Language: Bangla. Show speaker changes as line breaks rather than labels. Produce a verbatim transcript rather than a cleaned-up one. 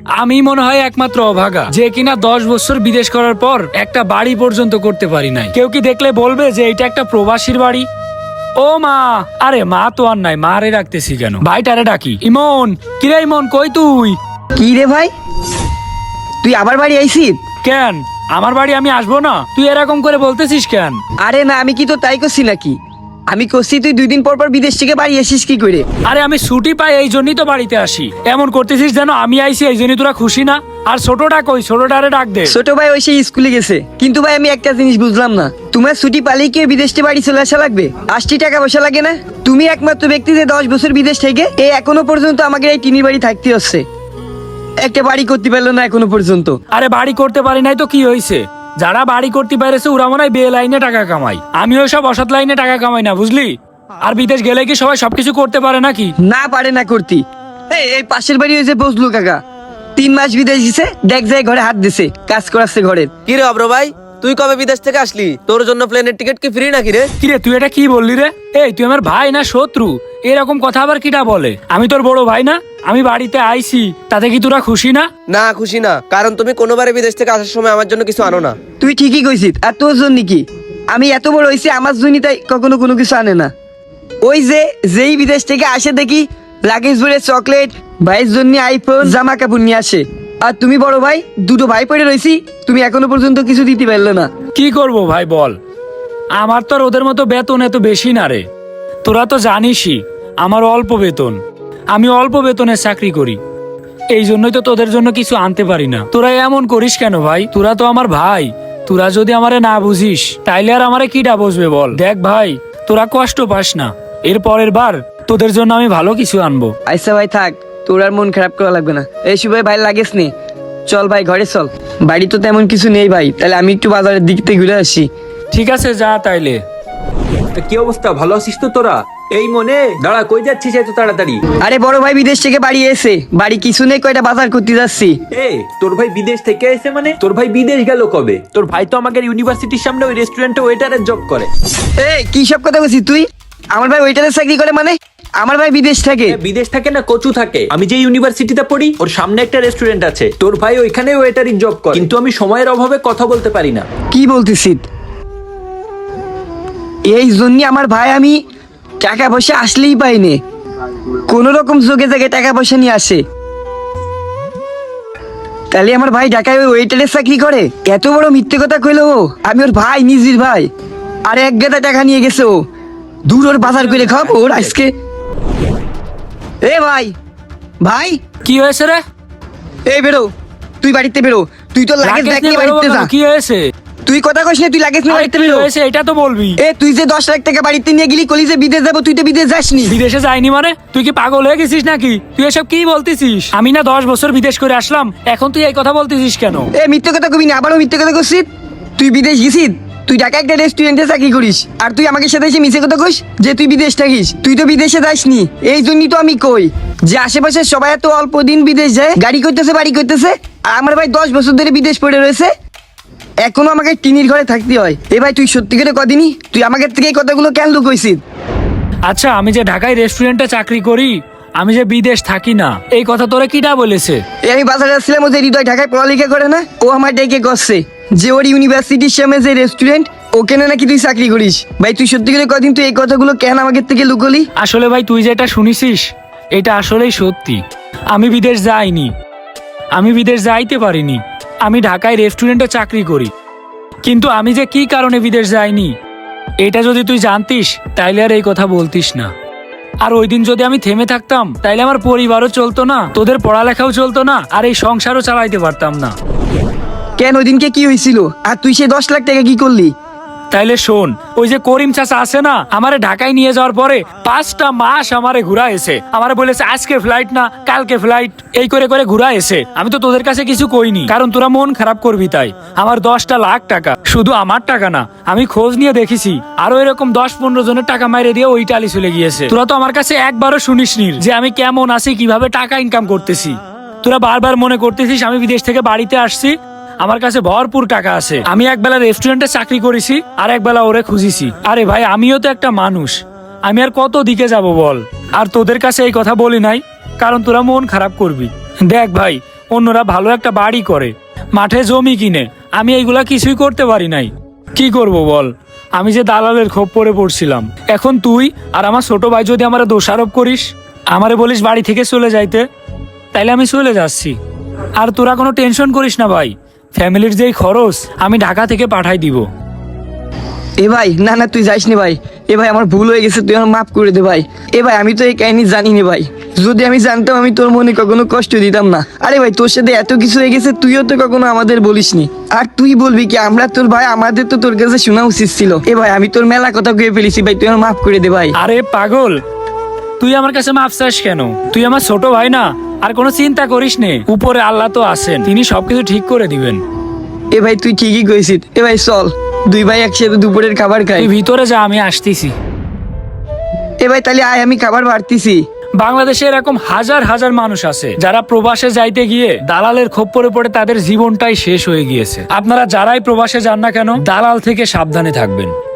আমি মনে হয় একমাত্র অভাগা যে কিনা দশ বছর বিদেশ করার পর একটা বাড়ি পর্যন্ত করতে পারি নাই। কেউ কি দেখলে বলবে যে এটা একটা প্রবাসীর বাড়ি? ও মা, আরে মা তো আর নাই, মা রে রাখতেছি কেন, ভাইটারে ডাকি। ইমন, কিরে ইমন, কই তুই?
কি রে ভাই, তুই আবার বাড়ি আইছিস?
কেন আমার বাড়ি আমি আসবো না? তুই এরকম করে বলতেছিস কেন?
আরে না, আমি কি তো তাই করছি নাকি? আমি করছি তুই দুই দিন পর পর বিদেশ থেকে বাড়ি আসিস কি করে?
আরে আমি ছুটি পাই এই জন্যই তো বাড়িতে আসি। এমন করতেছিস যেন আমি আইছি এই জন্যই তোরা খুশি না। আর ছোটটা কই? ছোটটারে ডাক দে।
ছোট ভাই ওই সেই স্কুলে গেছে। কিন্তু ভাই আমি একটা জিনিস বুঝলাম না, তোমার ছুটি পালেই কি বিদেশ থেকে বাড়ি চলে আসা লাগবে? আশটি টাকা পয়সা লাগে না? তুমি একমাত্র ব্যক্তি যে দশ বছর বিদেশ থেকে এই এখনো পর্যন্ত আমাকে এই টিনি বাড়ি থাকতে হচ্ছে, একটা বাড়ি করতে পারলো না এখনো পর্যন্ত।
আরে বাড়ি করতে পারি নাই তো কি হয়েছে? যারা বাড়ি করতে পারেছে ওরা মনে হয় বে লাইনে টাকা কামাই, আমি ওই সব অসৎ লাইনে টাকা কামাই না, বুঝলি? আর বিদেশ গেলে কি সবাই সবকিছু করতে পারে নাকি?
না পারে না করতি। এই এই পাশের বাড়ি হয়েছে বসলু কাকা, তিন মাস বিদেশ দিছে, দেখ যায় ঘরে হাত দিছে, কাজ করাচ্ছে ঘরের।
কি রে অব্র ভাই, তুই কবে বিদেশ থেকে আসলি? তোর জন্য প্লেনের টিকিট কি ফ্রি নাকি রে?
কিরে তুই এটা কি বললি রে? এই তুই আমার ভাই না শত্রু? এরকম কথা আবার কিটা বলে? আমি তোর বড় ভাই না? আমি বাড়িতে আইছি, তাতে কি তোরা খুশি না?
না খুশি না, কারণ তুমি কোনোবারে বিদেশ থেকে আসার সময় আমার জন্য কিছু আনো না।
তুই ঠিকই কইছিস, আর তোর জন্য কি? আমি এত বড় হয়েছি, আমার জন্য তাই কখনো কোনো কিছু আনে না। ওই যে যেই বিদেশ থেকে আসে দেখি লাগেজ ভরে চকলেট, ভাইয়ের জন্য আইফোন, জামা কাপড় নিয়ে আসে। আর তুমি বড় ভাই, দুটো ভাই পড়ে রয়েছি, তুমি এখনো পর্যন্ত কিছু দিতে পারলে না।
কি করব ভাই বল, আমার তো আর ওদের মতো বেতন এত বেশি না রে। তোরা তো জানিসই আমার অল্প বেতন, আমি অল্প বেতনের চাকরি করি, এই জন্যই তো তোদের জন্য কিছু আনতে পারি না। তোরা এমন করিস কেন ভাই? তোরা তো আমার ভাই, তোরা যদি আমারে না বুঝিস তাইলে আর আমারে কিটা বুঝবে বল? দেখ ভাই, তোরা কষ্ট পাস না, এর পরের বার তোদের জন্য আমি ভালো কিছু আনবো।
আচ্ছা ভাই থাক, তোর আর মন খারাপ করা লাগবে না। এই সুভাই ভাই লাগেস নে, চল ভাই ঘরে চল। বাড়ি তো তেমন কিছু নেই ভাই, তাহলে আমি একটু বাজারের দিক থেকে ঘুরে আসি।
ঠিক আছে যা তাইলে।
তা কি অবস্থা, ভালো আছিস তো তোরা? এই মনে দাঁড়া, কই যাচ্ছিস এত তাড়াতাড়ি?
আরে বড় ভাই বিদেশ থেকে বাড়ি এসে, বাড়ি কিছু নেই, কয়টা বাজার করতে যাচ্ছি।
এ তোর ভাই বিদেশ থেকে এসে মানে? তোর ভাই বিদেশ গেল কবে? তোর ভাই তো আমাদের ইউনিভার্সিটির সামনে ওই রেস্টুরেন্টে ওয়েটারের জব করে।
এই কি সব কথা বলছিস তুই? আমার ভাই ওইটারে চাকরি করে মানে? আমার ভাই বিদেশ থাকে।
এ, বিদেশ থাকে না, কচু থাকে। আমি যে ইউনিভার্সিটিতে পড়ি ওর সামনে একটা রেস্টুরেন্ট আছে, তোর ভাই ওইখানে ওয়েটারিং জব করে। কিন্তু আমি সময়ের অভাবে কথা বলতে পারি না।
কি বলতেছিস? এই জন্য আমার ভাই আমি টাকা পয়সা আসলেই পাইনি, কোন রকম যোগে জায়গায় টাকা পয়সা নিয়ে আসে। তাহলে আমার ভাই ঢাকায় ওই ওয়েটারের চাকরি করে? এত বড় মিথ্যে কথা কইলো ও। আমি ওর ভাই, নিজের ভাই, আর এক গাদা টাকা নিয়ে গেছে ও। দূর ওর বাজার করে খাবো ওর আজকে। এ ভাই, ভাই
কি হয়েছে রে?
এই বেরো, তুই বাড়িতে বেরো। তুই তো লাগেজ
লাগেজ
ব্যাগ
নিয়ে
নিয়ে
বেরোবো
বাড়িতে
কেন?
যা।
কি হয়েছে?
তুই কথা কইস না, তুই লাগেজ নিয়ে
আরে
বাড়িতে
কি
বেরো।
হয়েছে এটা তো বলবি।
এ তুই যে দশ লাখ টাকা বাড়িতে নিয়ে গেলি, কলি যে বিদেশ যাবো, তুই তো বিদেশ যাসনি।
বিদেশে যাইনি মানে? তুই কি পাগল হয়ে গেছিস নাকি? তুই এসব কি বলতেছিস? আমি না দশ বছর বিদেশ করে আসলাম, এখন তুই এই কথা বলতেছিস কেন?
এ মিথ্যে কথা কবি না, আবারও মিথ্যে কথা করছিস। তুই বিদেশ গেছিস, তুই ঢাকা একটা রেস্টুরেন্টে চাকরি করিস, আর তুই আমাকে সাথে এসে মিছে কথা কইস যে তুই বিদেশ থাকিস। তুই তো বিদেশে যাসনি, এই জন্যই তো আমি কই যে আশেপাশে সবাই এত অল্প দিন বিদেশ যায়, গাড়ি করতেছে, বাড়ি করতেছে, আর আমার ভাই দশ বছর ধরে বিদেশ পড়ে রয়েছে, এখনো আমাকে টিনির ঘরে থাকতে হয়। এ ভাই তুই সত্যি করে কদিনই তুই আমাকে থেকে এই কথাগুলো কেন লুকইছিস?
আচ্ছা আমি যে ঢাকায় রেস্টুরেন্টে চাকরি করি, আমি যে বিদেশ থাকি না, এই কথা তোরা কিটা বলেছে?
এ আমি বাজারে আসছিলাম, ও যে হৃদয় ঢাকায় পড়ালেখা করে না, ও আমার ডেকে করছে যে ওর ইউনিভার্সিটির সামনে যে রেস্টুরেন্ট, ওখানে নাকি তুই চাকরি করিস। ভাই তুই সত্যি করে কদিন তুই এই কথাগুলো কেন আমাকে থেকে লুকলি?
আসলে ভাই তুই যেটা শুনিসিস এটা আসলেই সত্যি। আমি বিদেশ যাইনি, আমি বিদেশ যাইতে পারিনি, আমি ঢাকায় রেস্টুরেন্টে চাকরি করি। কিন্তু আমি যে কি কারণে বিদেশ যাইনি এটা যদি তুই জানতিস তাইলে আর এই কথা বলতিস না। আর ওই দিন যদি আমি থেমে থাকতাম তাইলে আমার পরিবারও চলতো না, তোদের পড়ালেখাও চলতো না, আর এই সংসারও চালাইতে পারতাম না।
কেন ওই দিনকে কি হয়েছিল, আর তুই সে দশ লাখ টাকা কি করলি?
তাইলে শোন, ওই যে করিম চাচা আছে না, আমারে ঢাকায় নিয়ে যাওয়ার পরে পাঁচটা মাস আমারে ঘুরা এসে আমারে বলেছে আজকে ফ্লাইট না কালকে ফ্লাইট, এই করে করে ঘুরা এসে। আমি তো তোদের কাছে কিছু কইনি, কারণ তোরা মন খারাপ করবি তাই। আমার দশটা লাখ টাকা, শুধু আমার টাকা না, আমি খোঁজ নিয়ে দেখেছি আরো এরকম দশ পনেরো জনের টাকা মাইরে দিয়ে ওই টালি চলে গিয়েছে। তোরা তো আমার কাছে একবারও শুনিসনি যে আমি কেমন আছি, কিভাবে টাকা ইনকাম করতেছি। তোরা বারবার মনে করতেছিস আমি বিদেশ থেকে বাড়িতে আসছি, আমার কাছে ভরপুর টাকা আছে, আমি একবেলা রেস্টুরেন্টে চাকরি করেছি আর একবেলা ওরে খুঁজিছি। আরে ভাই আমিও তো একটা মানুষ, আমি আর কত দিকে যাব বল। আর তোদের কাছে এই কথা বলি নাই কারণ তোরা মন খারাপ করবি। দেখ ভাই, অন্যরা ভালো একটা বাড়ি করে, মাঠে জমি কিনে, আমি এইগুলা কিছুই করতে পারি নাই। কি করব বল, আমি যে দালালের খোপ পরে পড়ছিলাম। এখন তুই আর আমার ছোট ভাই যদি আমারে দোষারোপ করিস, আমারে বলিস বাড়ি থেকে চলে যাইতে, তাইলে আমি চলে যাচ্ছি। আর তোরা কোনো টেনশন করিস না ভাই, ফ্যামিলির যেই খরচ আমি ঢাকা থেকে পাঠাই দিব।
এ ভাই না না তুই যাইস নি ভাই, এ ভাই আমার ভুল হয়ে গেছে, তুই আমার মাফ করে দে ভাই। এ ভাই আমি তো এই কাহিনী জানি নি ভাই, যদি আমি জানতাম আমি তোর মনে কখনো কষ্ট দিতাম না। আরে ভাই তোর সাথে এত কিছু হয়ে গেছে, তুইও তো কখনো আমাদের বলিসনি, আর তুই বলবি কি? আমরা তোর ভাই, আমাদের তো তোর কাছে শোনা উচিত ছিল। এ ভাই আমি তোর মেলা কথা কয়ে ফেলেছি ভাই, তুই আমার মাফ করে দে ভাই।
আরে পাগল, তুই আমার কাছে মাফ চাস কেন? তুই আমার ছোট ভাই না? আর কোনো চিন্তা করিস নে, উপরে আল্লাহ তো আছেন, তিনি সবকিছু ঠিক করে দিবেন।
এ ভাই তুই ঠিকই কইছিস। এ ভাই চল দুই ভাই একসাথে দুপুরের খাবার খাই।
তুই ভিতরে যা, আমি আসতেছি।
এ ভাই তাহলে আয়, আমি খাবার বাড়তিছি।
বাংলাদেশে এরকম হাজার হাজার মানুষ আছে যারা প্রবাসে যাইতে গিয়ে দালালের খপ্পরে পড়ে তাদের জীবনটাই শেষ হয়ে গিয়েছে। আপনারা যারাই প্রবাসে যান না কেন, দালাল থেকে সাবধানে থাকবেন।